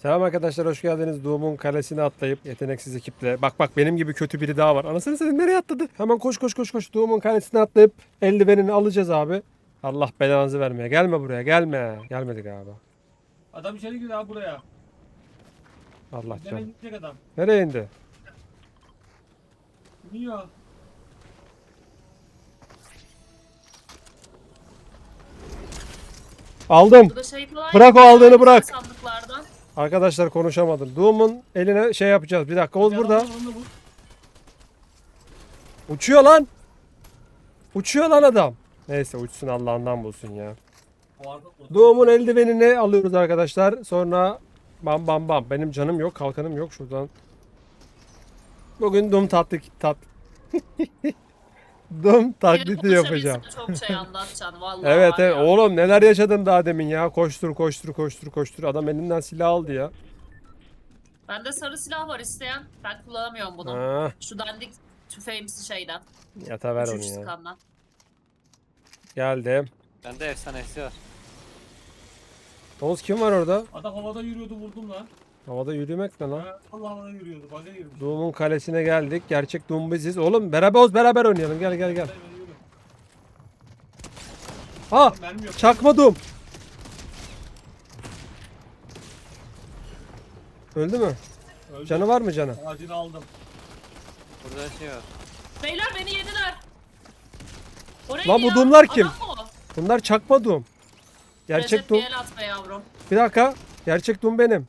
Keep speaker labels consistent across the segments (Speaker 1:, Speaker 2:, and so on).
Speaker 1: Selam arkadaşlar, hoş geldiniz. Doğumun kalesine atlayıp yeteneksiz ekiple. Bak bak, benim gibi kötü biri daha var. Anasını satayım, nereye atladı? Hemen koş koş koş koş. Doğumun kalesine atlayıp eldivenini alacağız abi. Allah belanızı vermeye. Gelme buraya, gelme. Gelmedi galiba.
Speaker 2: Adam içeri giriyor abi buraya.
Speaker 1: Allah
Speaker 2: Nereye
Speaker 1: can.
Speaker 2: gidecek adam?
Speaker 1: Nereye indi?
Speaker 2: Niye?
Speaker 1: Aldım.
Speaker 3: Burada şey falan
Speaker 1: Bırak o
Speaker 3: yapıyor
Speaker 1: aldığını,
Speaker 3: ya,
Speaker 1: bırak.
Speaker 3: sandıklardan.
Speaker 1: Arkadaşlar konuşamadım. Doğumun eline şey yapacağız. Bir dakika, Oğuz burada. Uçuyor lan. Uçuyor lan adam. Neyse uçsun, Allah'ından bulsun ya. Doğumun eldivenini alıyoruz arkadaşlar. Sonra bam bam bam. Benim canım yok, kalkanım yok şuradan. Bugün Doom Doom taklidi
Speaker 3: Biri
Speaker 1: yapacağım.
Speaker 3: konuşabilse çok şey anlatacaksın vallahi.
Speaker 1: Evet
Speaker 3: var
Speaker 1: evet
Speaker 3: ya.
Speaker 1: oğlum, neler yaşadım daha demin ya. Koştur koştur koştur koştur. Adam elinden silah aldı ya.
Speaker 3: Bende sarı silah var isteyen. Ben kullanamıyorum bunu.
Speaker 1: Ha,
Speaker 3: Şu dandik tüfeğimsi şeyden.
Speaker 1: yata ver onu
Speaker 3: 3
Speaker 1: ya.
Speaker 3: sıkandan.
Speaker 1: Geldim.
Speaker 4: Bende efsanesi var.
Speaker 1: Oğuz kim var orada?
Speaker 2: Adam havada yürüyordu, vurdum lan.
Speaker 1: Havada yürümek ne lan?
Speaker 2: Ha, Allah havada yürüyordu. Baga girmiş.
Speaker 1: Doom'un kalesine geldik. Gerçek Doom biziz. Oğlum beraber Oğuz, beraber oynayalım. Gel gel gel.
Speaker 2: Ben yürüyorum.
Speaker 1: Ha!
Speaker 2: Mermi yok.
Speaker 1: Çakma Doom. Öldü mü?
Speaker 2: Öldü.
Speaker 1: Canı var mı canı?
Speaker 2: Ağacını aldım.
Speaker 4: Burada şey var.
Speaker 3: Beyler beni yediler. O neydi
Speaker 1: Lan bu
Speaker 3: ya?
Speaker 1: Doom'lar kim?
Speaker 3: Adam mı o?
Speaker 1: Bunlar çakma Doom. Gerçek
Speaker 3: Recep
Speaker 1: Doom.
Speaker 3: bir el atma yavrum.
Speaker 1: Bir dakika. Gerçek Doom benim.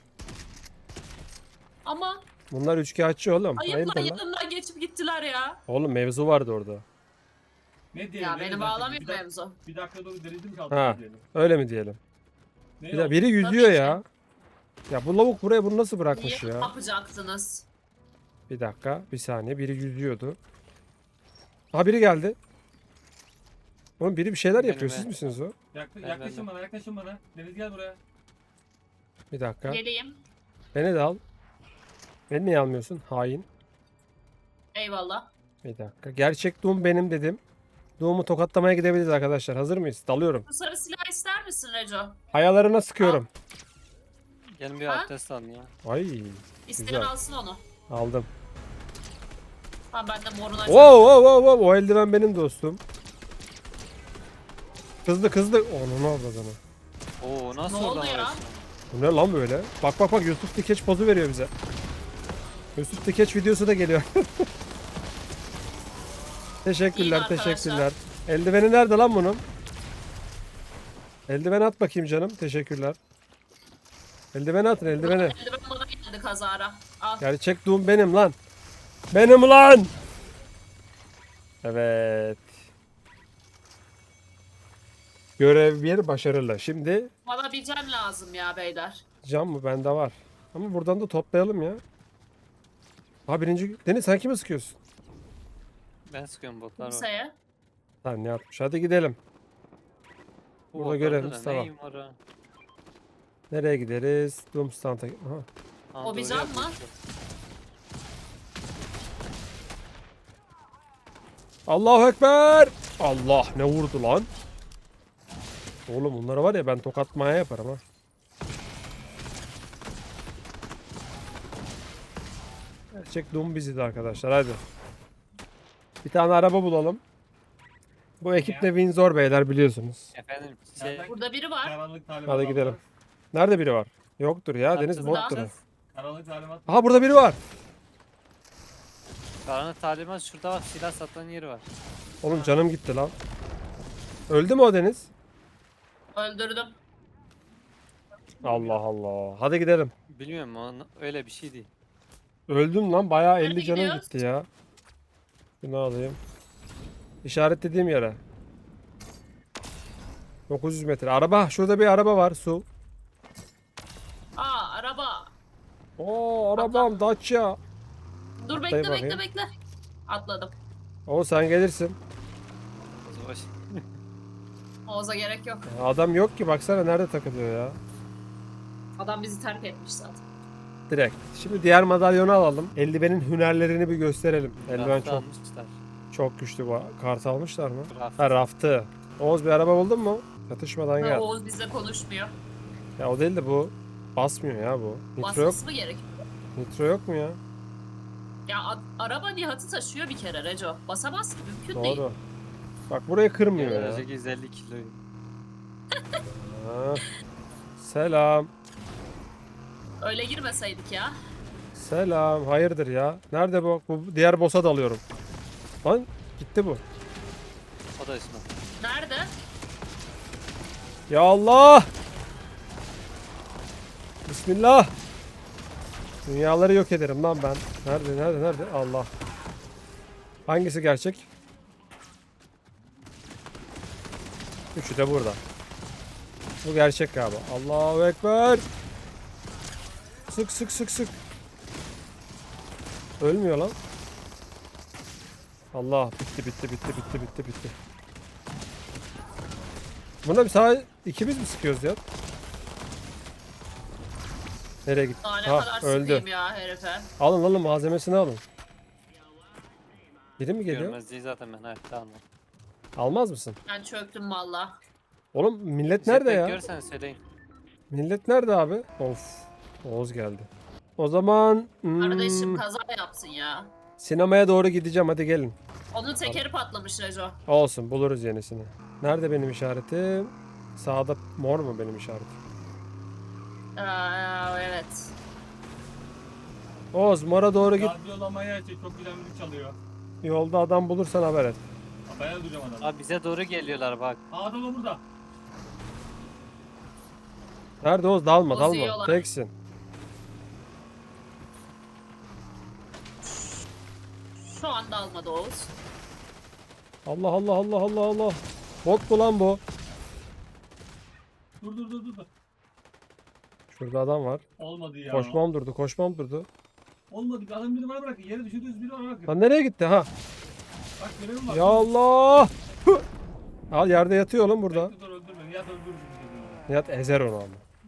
Speaker 3: Ama
Speaker 1: Bunlar üçkağıtçı oğlum.
Speaker 3: ayıpla
Speaker 1: Hayırdır lan?
Speaker 3: yanımdan geçip gittiler ya.
Speaker 1: Oğlum mevzu vardı orada.
Speaker 2: Ne diyelim?
Speaker 3: Ya
Speaker 2: ne
Speaker 3: beni
Speaker 2: dedim?
Speaker 3: bağlamıyor
Speaker 2: Bir dak-
Speaker 3: mevzu.
Speaker 2: Bir dakika dur, denedim ki
Speaker 1: Ha.
Speaker 2: altına diyelim.
Speaker 1: Öyle mi diyelim?
Speaker 2: Ne
Speaker 1: Bir de
Speaker 2: oldu?
Speaker 1: biri yüzüyor
Speaker 3: Tabii ki.
Speaker 1: ya. Ya bu lavuk buraya bunu nasıl bırakmış
Speaker 3: Niye
Speaker 1: ya?
Speaker 3: yapacaktınız?
Speaker 1: Bir dakika. Bir saniye. Biri yüzüyordu. Aha biri geldi. Oğlum biri bir şeyler
Speaker 4: Benim
Speaker 1: yapıyor.
Speaker 4: ben.
Speaker 1: Siz misiniz o?
Speaker 2: Yaklaşın bana, yaklaşın bana. Deniz gel buraya.
Speaker 1: Bir dakika.
Speaker 3: Geleyim.
Speaker 1: Beni de al. Beni niye almıyorsun? Hain.
Speaker 3: Eyvallah.
Speaker 1: Bir dakika. Gerçek Doom benim dedim. Doom'u tokatlamaya gidebiliriz arkadaşlar. Hazır mıyız? Dalıyorum.
Speaker 3: Bu sarı silah ister misin Reco?
Speaker 1: Ayalarına sıkıyorum.
Speaker 4: Gelin bir
Speaker 3: Ha?
Speaker 4: abdest alın ya.
Speaker 1: Ay.
Speaker 3: İsteyen
Speaker 1: Güzel.
Speaker 3: alsın onu.
Speaker 1: Aldım.
Speaker 3: Tamam ben de moruna
Speaker 1: Wow wow wow wow. O eldiven benim dostum. Kızdı kızdı. Onu ne oldu adamı?
Speaker 4: Oo nasıl
Speaker 3: Ne oldu
Speaker 4: oradan
Speaker 3: ya?
Speaker 4: oraya?
Speaker 1: Bu ne lan böyle? Bak bak bak, Yusuf Dikeç pozu veriyor bize. Yusuf Dikeç videosu da geliyor. Teşekkürler,
Speaker 3: İyi arkadaşlar.
Speaker 1: teşekkürler. Eldiveni nerede lan bunun? Eldiven at bakayım canım. Teşekkürler. Eldiveni atın, eldiveni.
Speaker 3: Eldiven bana geldi kazara. Al.
Speaker 1: Gerçek Doom benim lan. Benim lan. Evet. Görev bir başarılı. Şimdi
Speaker 3: Bana bir can lazım ya beyler.
Speaker 1: cam mı? Bende var. Ama buradan da toplayalım ya. Ha birinci... Deniz sen kime sıkıyorsun?
Speaker 4: Ben sıkıyorum botlar var.
Speaker 3: Kimseye.
Speaker 1: Lan ne yapmış? Hadi gidelim.
Speaker 4: Bu
Speaker 1: Burada
Speaker 4: botlarda
Speaker 1: görevimiz
Speaker 4: da
Speaker 1: tamam.
Speaker 4: neyim var ha?
Speaker 1: Nereye gideriz? Doom Stand'a. Aha.
Speaker 4: Ha,
Speaker 3: O bir
Speaker 4: doğru
Speaker 3: can mı?
Speaker 4: yapmışım.
Speaker 1: Allahu Ekber. Allah ne vurdu lan? Oğlum bunlara var ya, ben tokatmaya yaparım ha. Gerçek Doom biziz arkadaşlar, hadi. Bir tane araba bulalım. Bu ekip de Windsor beyler, biliyorsunuz.
Speaker 4: Efendim şey...
Speaker 2: Nereden-
Speaker 3: Burada biri var.
Speaker 2: Karanlık talimat.
Speaker 1: Hadi gidelim. Nerede biri var? Yoktur ya, Deniz
Speaker 4: Yapacağız,
Speaker 1: bottur.
Speaker 4: yapacağız.
Speaker 2: Karanlık talimat.
Speaker 1: Aha burada biri var.
Speaker 4: Karanlık talimat şurada bak, silah satan yeri var.
Speaker 1: Oğlum canım gitti lan. Öldü mü o Deniz?
Speaker 3: Öldürdüm.
Speaker 1: Allah Allah. Hadi gidelim.
Speaker 4: Bilmiyorum o öyle bir şey değil.
Speaker 1: Öldüm lan, bayağı 50
Speaker 3: Nerede
Speaker 1: canım
Speaker 3: gidiyoruz?
Speaker 1: gitti ya. Bunu alayım. İşaretlediğim yere. 900 metre. Araba. Şurada bir araba var. Su.
Speaker 3: Aa araba.
Speaker 1: Oo arabam Dacia.
Speaker 3: Dur
Speaker 1: Atlayın
Speaker 3: bekle
Speaker 1: bakayım.
Speaker 3: bekle bekle. Atladım.
Speaker 1: O sen gelirsin.
Speaker 4: Savaş.
Speaker 3: Oğuz'a gerek yok.
Speaker 1: Adam yok ki, baksana nerede takılıyor ya.
Speaker 3: Adam bizi terk etmiş zaten.
Speaker 1: Direkt. Şimdi diğer madalyonu alalım. Eldivenin hünerlerini bir gösterelim. Eldiven
Speaker 4: Raftı
Speaker 1: çok
Speaker 4: almışlar.
Speaker 1: çok güçlü. Bu kart almışlar mı?
Speaker 4: Raft.
Speaker 1: Ha raftı. Oğuz bir araba buldun mu? Çatışmadan
Speaker 3: Ha,
Speaker 1: gel.
Speaker 3: Oğuz bizle konuşmuyor.
Speaker 1: Ya o değil de bu Basmıyor ya bu. Nitro yok.
Speaker 3: Basması mı gerek?
Speaker 1: Nitro yok mu ya?
Speaker 3: Ya araba Nihat'ı taşıyor bir kere Reco. Basamaz ki, mümkün değil.
Speaker 1: Doğru. Bak buraya kırmıyor ya.
Speaker 4: Önceki 150 kiloyu.
Speaker 1: Ha. Selam.
Speaker 3: Öyle girmeseydik ya.
Speaker 1: Selam. Hayırdır ya? Nerede bu? Bu diğer boss'a dalıyorum. Lan gitti bu.
Speaker 4: O da üstüne.
Speaker 3: Nerede?
Speaker 1: Ya Allah! Bismillah. Dünyaları yok ederim lan ben. Nerede? Allah. Hangisi gerçek? Üçü de burada. Bu gerçek galiba. Allahu Ekber. Sık. Ölmüyor lan. Allah bitti. Buna bir sağa ikimiz mi sıkıyoruz ya? Nereye gitti?
Speaker 3: Daha ne
Speaker 1: Ha,
Speaker 3: kadar
Speaker 1: öldü.
Speaker 3: sıkayım ya herife.
Speaker 1: Alın malzemesini alın. Biri mi geliyor?
Speaker 4: Görmez değil zaten ben. Evet tamam.
Speaker 1: Almaz mısın?
Speaker 3: Ben çöktüm valla.
Speaker 1: Oğlum millet nerede ya?
Speaker 4: Görsen söyleyin.
Speaker 1: Millet nerede abi? Of. Oğuz geldi. O zaman
Speaker 3: Kardeşim kaza yapsın ya.
Speaker 1: sinemaya doğru gideceğim. Hadi gelin.
Speaker 3: Onun tekeri patlamış Reco.
Speaker 1: Olsun buluruz yenisini. Nerede benim işaretim? Sağda mor mu benim işaretim?
Speaker 3: Evet.
Speaker 1: Oğuz mora doğru git.
Speaker 2: Radyolamaya açık, çok güzel müzik çalıyor.
Speaker 1: Yolda adam bulursan haber et.
Speaker 2: Bayağı duracağım adamı.
Speaker 4: Abi bize doğru geliyorlar bak.
Speaker 2: Adam da burada.
Speaker 1: Nerede Oğuz? Dalma.
Speaker 3: Bozuyorlar.
Speaker 1: Teksin.
Speaker 3: Şu anda almadı Oğuz.
Speaker 1: Allah. Bot mu lan bu?
Speaker 2: Dur.
Speaker 1: Şurada adam var.
Speaker 2: Olmadı ya.
Speaker 1: Koşmam durdu.
Speaker 2: Olmadı. Adam biri bana bırakın. Yere düşürdünüz, biri bana bırakın.
Speaker 1: Lan nereye gitti ha?
Speaker 2: Bak görevim var.
Speaker 1: Ya Allah! Hı! Al yerde yatıyor oğlum burada.
Speaker 2: Bekle, dur öldürme. Nihat öldürür bizi.
Speaker 1: Nihat ezer onu ama.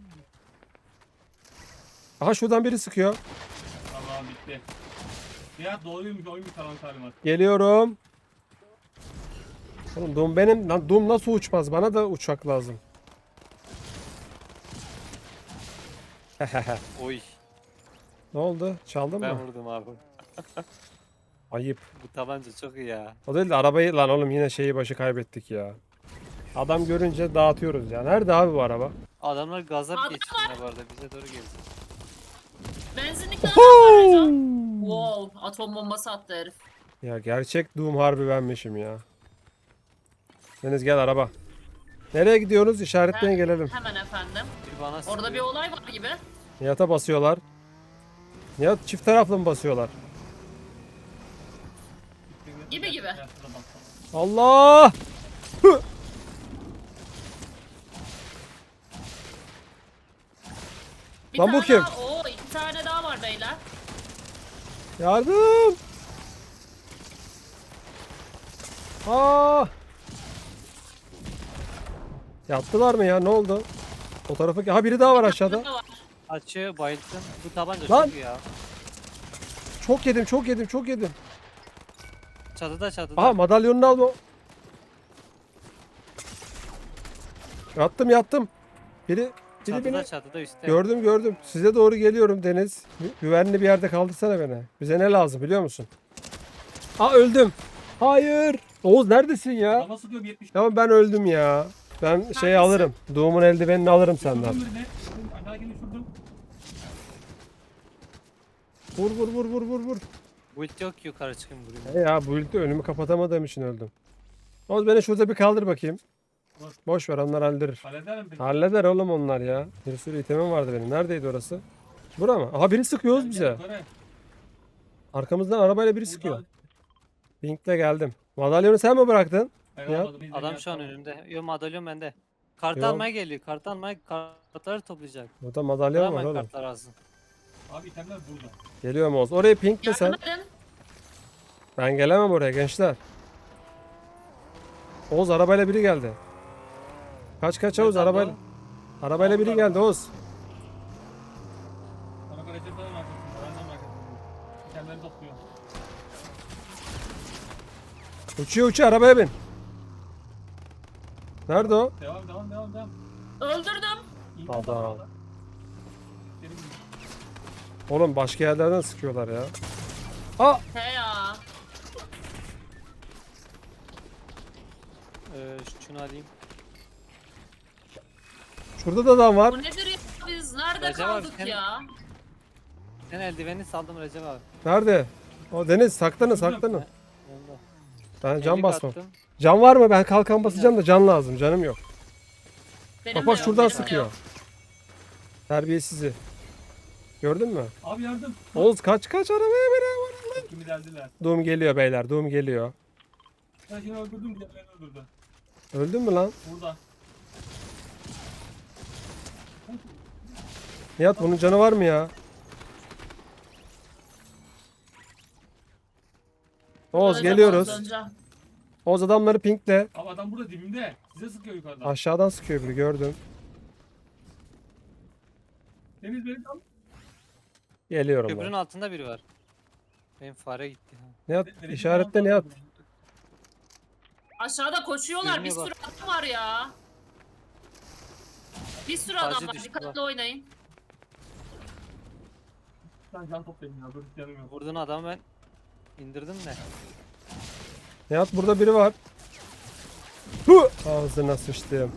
Speaker 1: Aha şuradan biri sıkıyor.
Speaker 2: Tamam bitti. Nihat doğruymuş, oymuş tamam talimat.
Speaker 1: Geliyorum. Oğlum Doom benim. Lan Doom nasıl uçmaz? Bana da uçak lazım.
Speaker 4: Oy.
Speaker 1: Ne oldu? Çaldın
Speaker 4: Ben
Speaker 1: mı?
Speaker 4: vurdum abi.
Speaker 1: Ayıp.
Speaker 4: Bu tabanca çok iyi ya.
Speaker 1: O değil de arabayı lan oğlum yine şeyi başı kaybettik ya. Adam görünce dağıtıyoruz ya. Nerede abi bu araba?
Speaker 4: Adamlar gazap
Speaker 3: Adam
Speaker 4: geçti yine bu arada. Bize doğru geldi.
Speaker 3: Benzinlikte adam var Reco. Wow, atom bombası attı herif.
Speaker 1: Ya gerçek Doom harbi benmişim ya. Deniz gel araba. Nereye gidiyoruz? İşaretleyin gelelim.
Speaker 3: Hemen efendim.
Speaker 4: Bir bana
Speaker 3: Orada bir
Speaker 4: sıkıyor.
Speaker 3: olay var gibi.
Speaker 1: Nihat'a basıyorlar. Nihat çift taraflı mı basıyorlar?
Speaker 3: Gibi.
Speaker 2: Nihat'a da baksana.
Speaker 1: Allah! Hı!
Speaker 3: Bir
Speaker 1: Lan bu
Speaker 3: tane
Speaker 1: kim?
Speaker 3: Daha, oo, 2 tane daha var beyler.
Speaker 1: Yardım! Aa! Yattılar mı ya? Ne oldu? O tarafa... Ha biri daha var aşağıda.
Speaker 3: Burada var.
Speaker 4: Açıyor bayıldım. Bu tabanca
Speaker 1: Lan!
Speaker 4: çok iyi ya.
Speaker 1: Çok yedim.
Speaker 4: Çatıda.
Speaker 1: Aha madalyonunu alma. Yattım. Biri beni...
Speaker 4: Çatıda üstte.
Speaker 1: Gördüm. Size doğru geliyorum Deniz. Güvenli bir yerde kaldırsana beni. Bize ne lazım biliyor musun? Aa öldüm. Hayır. Oğuz neredesin ya?
Speaker 2: Adama sıkıyorum 70.
Speaker 1: Tamam ben öldüm ya. Ben şey
Speaker 3: Neredesin?
Speaker 1: alırım. Doğumun eldivenini alırım senden.
Speaker 2: Şurdum birine. Aşağıdakini şurdum.
Speaker 1: Vur.
Speaker 4: Bu ilk yok ki yukarı çıkın buraya.
Speaker 1: He ya bu ilde önümü kapatamadığım için öldüm. Oğuz beni şurada bir kaldır bakayım.
Speaker 2: Vur.
Speaker 1: Boş ver onlar hallederir.
Speaker 2: Halleder mi peki?
Speaker 1: Halleder oğlum onlar ya. Bir sürü itemim vardı benim. Neredeydi orası? Bura mı? Aha biri sıkıyoruz
Speaker 2: Gel,
Speaker 1: bize.
Speaker 2: yukarı.
Speaker 1: Arkamızdan arabayla biri
Speaker 2: Burada-
Speaker 1: sıkıyor. Pink'le geldim. Madalyonu sen mi bıraktın?
Speaker 2: Ben
Speaker 1: Ya.
Speaker 2: almadım, izle,
Speaker 4: Adam
Speaker 2: Nihat
Speaker 4: şu an
Speaker 2: tamam.
Speaker 4: önümde. Yo madalyon bende. Kart
Speaker 1: Yok.
Speaker 4: almaya geliyor. Kartları toplayacak.
Speaker 1: Burada madalyon var
Speaker 4: Hemen
Speaker 1: oğlum.
Speaker 4: kartlar alsın.
Speaker 2: Abi itemler burada.
Speaker 1: Geliyorum Oğuz. Oraya pinkle sen.
Speaker 3: Yardım edin.
Speaker 1: Ben gelemem oraya gençler. Oğuz arabayla biri geldi. Kaç Oğuz
Speaker 4: Nereden
Speaker 1: arabayla. Arabayla biri geldi Oğuz.
Speaker 2: Araba Recep falan arkasında. Benden arkasında. İtemleri topluyor.
Speaker 1: Uçuyor arabaya bin. Nerede o?
Speaker 2: Devam.
Speaker 3: Öldürdüm.
Speaker 2: İyi
Speaker 1: Adam.
Speaker 2: oldu. Benim gibi.
Speaker 1: Oğlum başka yerlerden sıkıyorlar ya. Aa!
Speaker 3: He ya.
Speaker 4: Şunu alayım.
Speaker 1: Şurada da adam var.
Speaker 3: Bu nedir ya? Biz nerede
Speaker 4: Recep abi,
Speaker 3: kaldık
Speaker 4: sen-
Speaker 3: ya?
Speaker 4: Sen eldiveni saldım Recep abi.
Speaker 1: Nerede? O Deniz saklanın saklanın.
Speaker 4: Yanında.
Speaker 1: Ben can
Speaker 4: Ellik
Speaker 1: basmam.
Speaker 4: attım.
Speaker 1: Can var mı? Ben kalkan basacağım da can lazım. Canım yok.
Speaker 3: Benim
Speaker 1: Bak
Speaker 3: de
Speaker 1: bak
Speaker 3: yok,
Speaker 1: şuradan
Speaker 3: benim de
Speaker 1: sıkıyor.
Speaker 3: yok.
Speaker 1: Terbiyesizi. Gördün mü?
Speaker 2: Abi yardım.
Speaker 1: Oğuz kaç kaç arabaya beni.
Speaker 2: Kimi deldiler.
Speaker 1: Doom geliyor beyler. Doom geliyor.
Speaker 2: Ben şimdi öldürdüm diye beni öldürdü.
Speaker 1: Öldün mü lan?
Speaker 2: Burada.
Speaker 1: Nihat bunun canı var mı ya? Oğuz
Speaker 3: Öleceğim,
Speaker 1: geliyoruz.
Speaker 3: öleceğim.
Speaker 1: Oğuz adamları pinkle.
Speaker 2: Abi adam burada dibimde. Size sıkıyor yukarıdan.
Speaker 1: Aşağıdan sıkıyor biri gördüm.
Speaker 2: Deniz beni tam.
Speaker 1: Geliyorum
Speaker 4: Köprünün
Speaker 1: ben.
Speaker 4: altında biri var. Benim fare gitti.
Speaker 1: Nihat
Speaker 2: Deniz'in
Speaker 1: işaretle
Speaker 2: tam-
Speaker 1: Nihat.
Speaker 3: Aşağıda koşuyorlar. Bir
Speaker 4: Görünüyor
Speaker 3: sürü adam var ya. Bir sürü
Speaker 4: Sadece
Speaker 3: adam var.
Speaker 4: düştü
Speaker 3: Dikkatli
Speaker 4: bak.
Speaker 3: oynayın.
Speaker 2: Ben can toplayayım ya. Dur canım yok.
Speaker 4: Vurduğun adamı ben indirdim de.
Speaker 1: Nihat burada biri var. Hu! Ağzına sıçtım.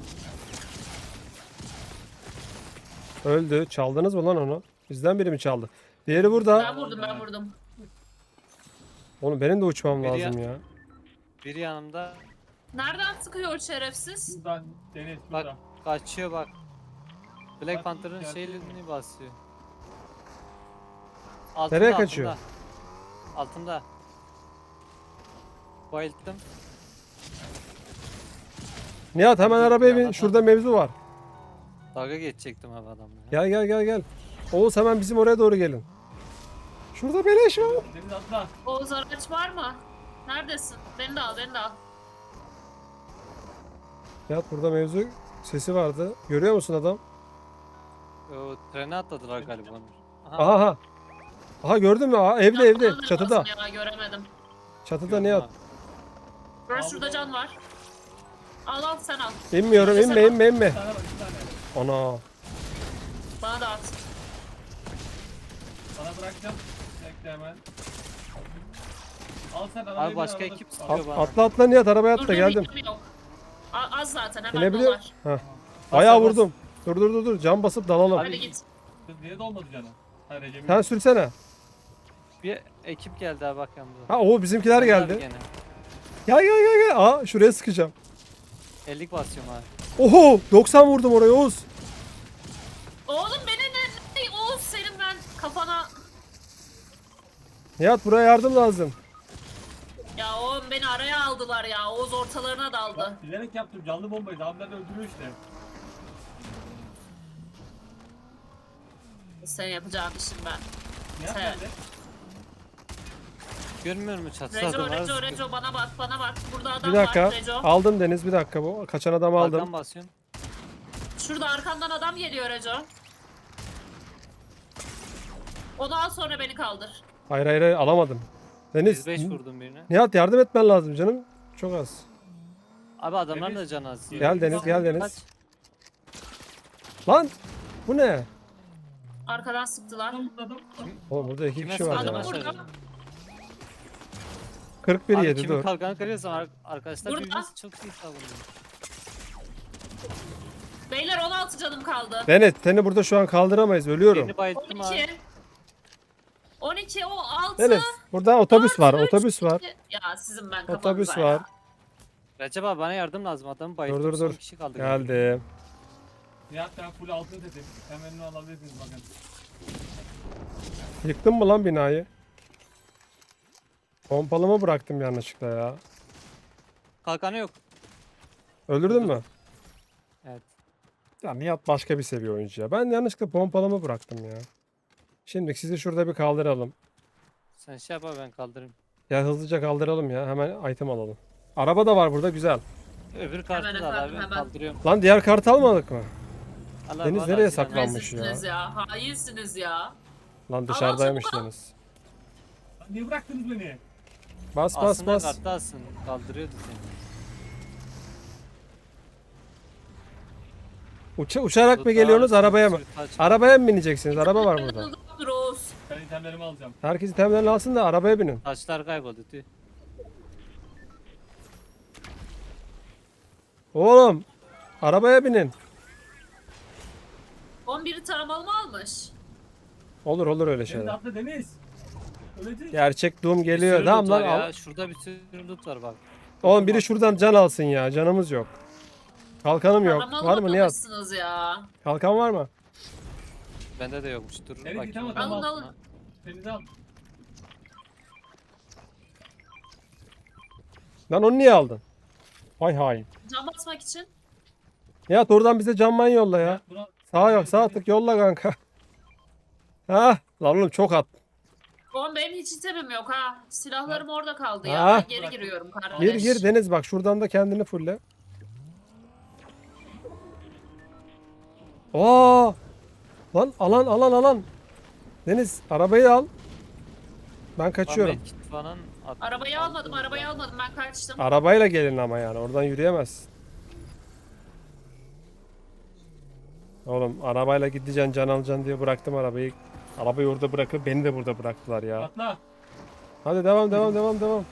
Speaker 1: Öldü. Çaldınız mı lan onu? Bizden biri mi çaldı? Diğeri burada.
Speaker 3: Ben vurdum, ben vurdum.
Speaker 1: Oğlum benim de uçmam
Speaker 4: Biri
Speaker 1: lazım ya.
Speaker 4: Biri yanımda.
Speaker 3: Nereden sıkıyor o şerefsiz?
Speaker 2: Buradan Deniz
Speaker 4: Bak
Speaker 2: şurada.
Speaker 4: kaçıyor bak. Black
Speaker 2: Bak,
Speaker 4: Panther'ın
Speaker 2: geldi.
Speaker 4: şeylerini basıyor. Altında,
Speaker 1: Nereye kaçıyor?
Speaker 4: Altında. Altında. Bayılttım.
Speaker 1: Nihat hemen arabaya bin.
Speaker 4: Adam-
Speaker 1: Şurada mevzu var.
Speaker 4: Dalga geçecektim abi adamla. ya.
Speaker 1: Gel gel gel gel. Oğuz hemen bizim oraya doğru gelin. Şurada beleş var.
Speaker 2: Deniz atla.
Speaker 3: Oğuz araç var mı? Neredesin? Beni de al, beni de al.
Speaker 1: Nihat burada mevzu sesi vardı. Görüyor musun adam?
Speaker 4: O trene atladılar galiba onu.
Speaker 1: Aha aha. Aha gördün mü? Aha, evde
Speaker 3: Ya,
Speaker 1: evde.
Speaker 3: bana da
Speaker 1: Çatıda.
Speaker 3: basın Ya, göremedim.
Speaker 1: Çatıda
Speaker 4: Gördüm
Speaker 1: Nihat.
Speaker 4: abi.
Speaker 3: Böyle
Speaker 2: Al
Speaker 3: şurada
Speaker 2: bunu.
Speaker 3: can var. Al al sen al.
Speaker 1: İnmiyorum
Speaker 3: Neyse,
Speaker 1: inme
Speaker 3: bak.
Speaker 1: inme inme.
Speaker 2: Bir tane var, bir tane.
Speaker 1: Ana.
Speaker 3: Bana da at.
Speaker 2: Sana bırakacağım. Bekle hemen. Al sen arabayı
Speaker 4: Abi başka
Speaker 2: arabada-
Speaker 4: ekip sıkıyor bana.
Speaker 1: Atla atla Nihat arabaya atla
Speaker 3: Dur,
Speaker 1: geldim.
Speaker 3: dur, yok. Az zaten hemen
Speaker 1: İnebiliyor.
Speaker 3: dolar.
Speaker 1: Heh. Bayağı
Speaker 4: bas.
Speaker 1: vurdum. Dur dur dur dur. Cam basıp dalalım.
Speaker 3: Hadi git.
Speaker 2: Kız niye dolmadı canım? Ha Recep'in.
Speaker 1: Sen sürsene.
Speaker 4: Bir ekip geldi abi bak yanımda.
Speaker 1: Ha o bizimkiler
Speaker 4: Sen de abi
Speaker 1: geldi.
Speaker 4: gene.
Speaker 1: Gel gel gel gel. Aa şuraya sıkacağım.
Speaker 4: 50'lik basıyorum abi.
Speaker 1: Oho 90 vurdum oraya Oğuz.
Speaker 3: Oğlum beni ne Oğuz senin ben kafana...
Speaker 1: Nihat buraya yardım lazım.
Speaker 3: Ya oğlum beni araya aldılar ya. Oğuz ortalarına daldı.
Speaker 2: Bak, bilerek yaptım canlı bombayı. Abiler öldürüyor işte.
Speaker 3: Sen yapacağın işin ben.
Speaker 2: Nihat
Speaker 3: Sen.
Speaker 2: nerede?
Speaker 4: Görmüyor musun çatıda
Speaker 3: Reco,
Speaker 4: adamlar
Speaker 3: Reco,
Speaker 4: sıkıyor.
Speaker 3: Reco bana bak, bana bak. Burada adam
Speaker 1: Bir dakika.
Speaker 3: var Reco.
Speaker 1: Aldım Deniz bir dakika bu. Kaçan adamı aldım.
Speaker 4: Arkadan basıyorum.
Speaker 3: Şurada arkamdan adam geliyor Reco. Onu al sonra beni kaldır.
Speaker 1: Hayır hayır hayır alamadım. Deniz.
Speaker 4: 105 vurdum birine.
Speaker 1: Nihat yardım etmen lazım canım. Çok az.
Speaker 4: Abi adamların
Speaker 2: Deniz,
Speaker 4: da canı az.
Speaker 1: Gel Deniz gel Deniz.
Speaker 4: Kaç?
Speaker 1: Lan bu ne?
Speaker 3: Arkadan sıktılar.
Speaker 2: Adam.
Speaker 1: Oğlum burada iki
Speaker 4: Kime
Speaker 1: kişi var
Speaker 3: Adam
Speaker 1: ya.
Speaker 4: sıkıyorlar?
Speaker 3: burada.
Speaker 1: 41
Speaker 4: Abi
Speaker 1: yedi
Speaker 4: kimin
Speaker 1: dur.
Speaker 4: kalkanı kırıyorsam arkadaşlar
Speaker 3: Burada.
Speaker 4: birbirinizi çok iyi savunuyor.
Speaker 3: Beyler 16 canım kaldı.
Speaker 1: Deniz seni burada şu an kaldıramayız. Ölüyorum.
Speaker 4: Birini bayılttım abi.
Speaker 3: 12. 12 o 6.
Speaker 1: Deniz burada otobüs var. Otobüs var.
Speaker 3: Ya sizin ben kafanıza
Speaker 1: Otobüs
Speaker 3: ya.
Speaker 1: var.
Speaker 4: Recep abi bana yardım lazım. Adamı bayılttım.
Speaker 1: Dur, dur,
Speaker 4: Son
Speaker 1: dur.
Speaker 4: kişi kaldı.
Speaker 1: Geldim.
Speaker 2: Nihat ben full altın dedim. Hemen onu alabilirsiniz bakın.
Speaker 1: Yıktın mı lan binayı? Pompalımı bıraktım yanlışlıkla ya.
Speaker 4: Kalkanı yok.
Speaker 1: Öldürdün mü?
Speaker 4: Evet.
Speaker 1: Ya Nihat başka bir seviye oyuncu ya. Ben yanlışlıkla pompalımı bıraktım ya. Şimdi sizi şurada bir kaldıralım.
Speaker 4: Sen şey yap abi ben kaldırayım.
Speaker 1: Ya hızlıca kaldıralım ya. Hemen item alalım. Araba da var burada güzel.
Speaker 4: Öbür kartı da al
Speaker 3: efendim,
Speaker 4: abi.
Speaker 3: hemen.
Speaker 4: Kaldırıyorum.
Speaker 1: Lan diğer kartı almadık mı?
Speaker 4: Al abi,
Speaker 1: Deniz
Speaker 4: al
Speaker 1: nereye
Speaker 4: abi, sen al.
Speaker 1: saklanmış?
Speaker 3: Rezilsiniz ya. Hainsiniz ya.
Speaker 1: Lan dışarıdaymış
Speaker 3: çabuk al.
Speaker 1: Deniz.
Speaker 2: Lan niye bıraktınız beni?
Speaker 1: Bas bas
Speaker 4: Aslında
Speaker 1: bas.
Speaker 4: kartı alsın. Kaldırıyordu seni.
Speaker 1: Uçarak mı geliyorsunuz arabaya mı? Arabaya mı bineceksiniz? Araba var burada.
Speaker 3: Dur Oğuz.
Speaker 2: Ben itemlerimi alacağım.
Speaker 1: Herkes itemlerini alsın da arabaya binin.
Speaker 4: Taşlar kayboldu. Tüh.
Speaker 1: Oğlum arabaya binin.
Speaker 3: 11'i taramalı mı almış?
Speaker 1: Olur öyle
Speaker 2: Deniz
Speaker 1: şeyler.
Speaker 2: atla Deniz. Ölecek.
Speaker 1: Gerçek Doom
Speaker 4: Bir
Speaker 1: geliyor.
Speaker 4: sürü
Speaker 1: Tamam
Speaker 4: loot
Speaker 1: lan
Speaker 4: var
Speaker 1: al.
Speaker 4: ya. Şurada bir sürü loot var bak.
Speaker 1: Oğlum biri şuradan can alsın ya. Canımız yok. Kalkanım yok.
Speaker 3: Taramalı
Speaker 1: Var mı Nihat?
Speaker 3: bakılmışsınız ya.
Speaker 1: Kalkan var mı?
Speaker 4: Bende de yokmuş. Dur
Speaker 2: Evet,
Speaker 4: bakayım.
Speaker 2: tamam,
Speaker 4: ben
Speaker 3: alın,
Speaker 4: altına.
Speaker 3: alın.
Speaker 2: Deniz al.
Speaker 1: Lan onu niye aldın? Vay hain.
Speaker 3: Cam basmak için.
Speaker 1: Nihat oradan bize canman yolla ya.
Speaker 2: Buna...
Speaker 1: Sağ yok sağ tık yolla kanka. Ha lan oğlum çok at.
Speaker 3: Oğlum benim hiç itemim yok ha. Silahlarım orada kaldı
Speaker 1: Ha.
Speaker 3: ya. Ben geri giriyorum kardeş.
Speaker 1: Gir Deniz bak şuradan da kendini fulle. Oo! Lan alan. Deniz arabayı al. Ben kaçıyorum.
Speaker 4: Ahmet kit falan
Speaker 3: Arabayı almadım ben kaçtım.
Speaker 1: Arabayla gelin ama yani oradan yürüyemez. Oğlum arabayla gideceksin can alacaksın diye bıraktım arabayı. Arabayı orada bırakıp beni de burada bıraktılar ya.
Speaker 2: Atla.
Speaker 1: Hadi devam.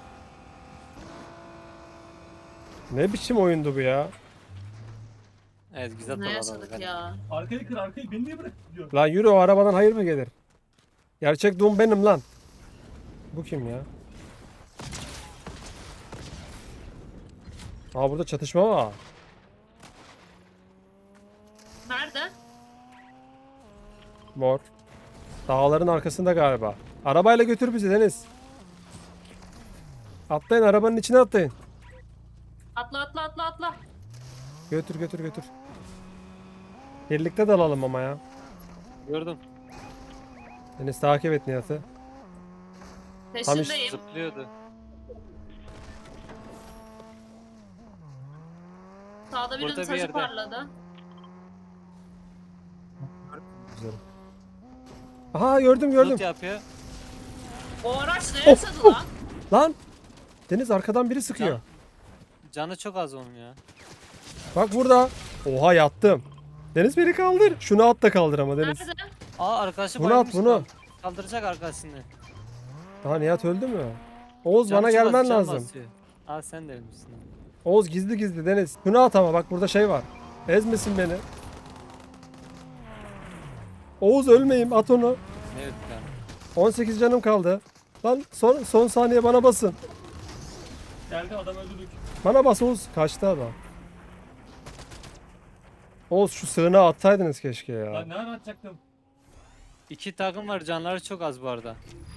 Speaker 1: Ne biçim oyundu bu ya?
Speaker 4: Evet güzel
Speaker 3: Ne
Speaker 4: topladım.
Speaker 3: yaşadık ya?
Speaker 2: Arkayı kır arkayı. Beni niye bırak gidiyor?
Speaker 1: Lan yürü o arabadan hayır mı gelir? Gerçek Doom benim lan. Bu kim ya? Aa burada çatışma var.
Speaker 3: Nerede?
Speaker 1: Mor. Dağların arkasında galiba. Arabayla götür bizi Deniz. Atlayın arabanın içine atlayın.
Speaker 3: Atla.
Speaker 1: Götür. Birlikte dalalım ama ya.
Speaker 4: Gördüm.
Speaker 1: Deniz takip et Nihat'ı.
Speaker 3: Peşindeyim.
Speaker 4: Zıplıyordu.
Speaker 3: Sağda birinin
Speaker 4: Burada bir
Speaker 3: taşı
Speaker 4: yerde.
Speaker 3: parladı.
Speaker 1: Güzel. Aha gördüm.
Speaker 4: Loot yapıyor.
Speaker 3: O araç ne yaşadı lan?
Speaker 1: Lan. Deniz arkadan biri sıkıyor.
Speaker 4: Can- Canı çok az onun ya.
Speaker 1: Bak burada. Oha yattım. Deniz beni kaldır. Şunu at da kaldır ama Deniz.
Speaker 3: Nerede?
Speaker 4: Aa arkadaşı
Speaker 1: Bunu
Speaker 4: bayılmış
Speaker 1: at, bunu.
Speaker 4: lan. Kaldıracak arkasını.
Speaker 1: Daha Nihat öldü mü? Oğuz
Speaker 4: Canı
Speaker 1: bana
Speaker 4: çok az,
Speaker 1: gelmen
Speaker 4: can
Speaker 1: lazım.
Speaker 4: basıyor. Aa sen de ölmüşsün.
Speaker 1: Oğuz gizli Deniz. Şunu at ama bak burada şey var. Ezmesin beni. Oğuz ölmeyeyim at onu.
Speaker 4: Ne öldü lan?
Speaker 1: 18 canım kaldı. Lan son saniye bana basın.
Speaker 2: Geldi adam öldürdük.
Speaker 1: Bana bas Oğuz. Kaçtı adam. Oğuz şu sığınağı atsaydınız keşke ya.
Speaker 2: Lan ne ara atacaktım?
Speaker 4: 2 takım var canları çok az bu arada.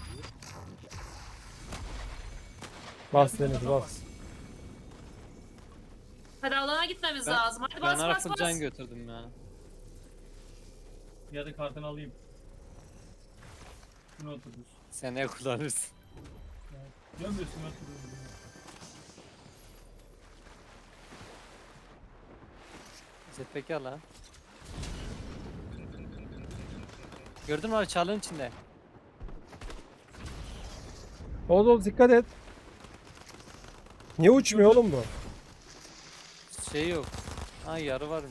Speaker 1: Bas Deniz bas.
Speaker 3: Hadi alana gitmemiz
Speaker 4: Ben-
Speaker 3: lazım. Hadi
Speaker 4: Ben
Speaker 3: bas
Speaker 4: arafın
Speaker 3: bas
Speaker 4: can
Speaker 3: bas.
Speaker 4: götürdüm ya.
Speaker 2: Ya da kartını alayım. Şunu otururuz.
Speaker 4: Seneye kullanırsın.
Speaker 2: Gömüyorsun otururuz.
Speaker 4: Jetpack al ha. Gördün mü abi çalının içinde.
Speaker 1: Oğuz dikkat et. Niye uçmuyor oğlum bu?
Speaker 4: Şey yok. Ha yarı varmış.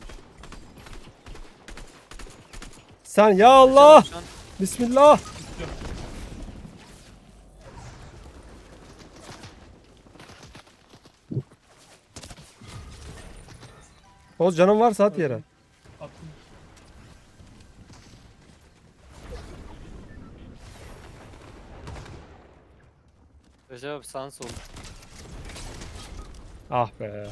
Speaker 1: Sen ya Allah.
Speaker 4: Şu an
Speaker 1: Bismillah. Oğuz canın varsa at yere.
Speaker 2: Attım.
Speaker 4: Recep abi sağın sol.
Speaker 1: Ah be.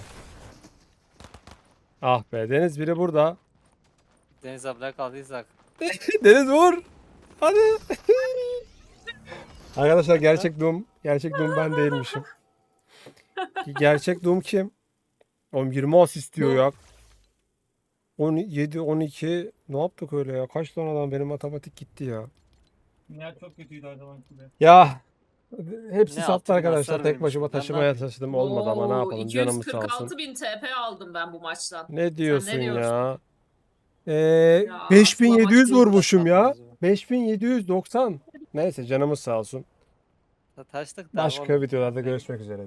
Speaker 1: Ah be. Deniz biri burada.
Speaker 4: Deniz ablaya kaldıysak.
Speaker 1: Deniz vur. Hadi. Arkadaşlar gerçek Doom. Gerçek Doom ben değilmişim. Gerçek Doom kim? Oğlum 20 asist diyor ya. 17, 12. Ne yaptık öyle ya? Kaç tane adam benim matematik gitti ya.
Speaker 2: Nihat çok kötüydü her zamanki gibi.
Speaker 1: Ya hepsi
Speaker 4: Ne
Speaker 1: sattı
Speaker 4: altın
Speaker 1: arkadaşlar.
Speaker 4: hasar
Speaker 1: Tek başıma
Speaker 4: vermiş. Ben
Speaker 1: taşımaya
Speaker 4: ne
Speaker 1: taşıdım. Olmadı ama ne yapalım. Canımız sağ olsun.
Speaker 3: 246 bin TP aldım ben bu maçtan.
Speaker 1: Ne diyorsun
Speaker 3: ne diyorsun?
Speaker 1: ya?
Speaker 3: Ya,
Speaker 1: 5700
Speaker 3: aslında maç
Speaker 1: vurmuşum ya.
Speaker 4: yapmadınız mı?
Speaker 1: 5790. Neyse canımız sağ olsun.
Speaker 4: Taştık da
Speaker 1: Başka
Speaker 4: oğlum.
Speaker 1: videolarda görüşmek üzere.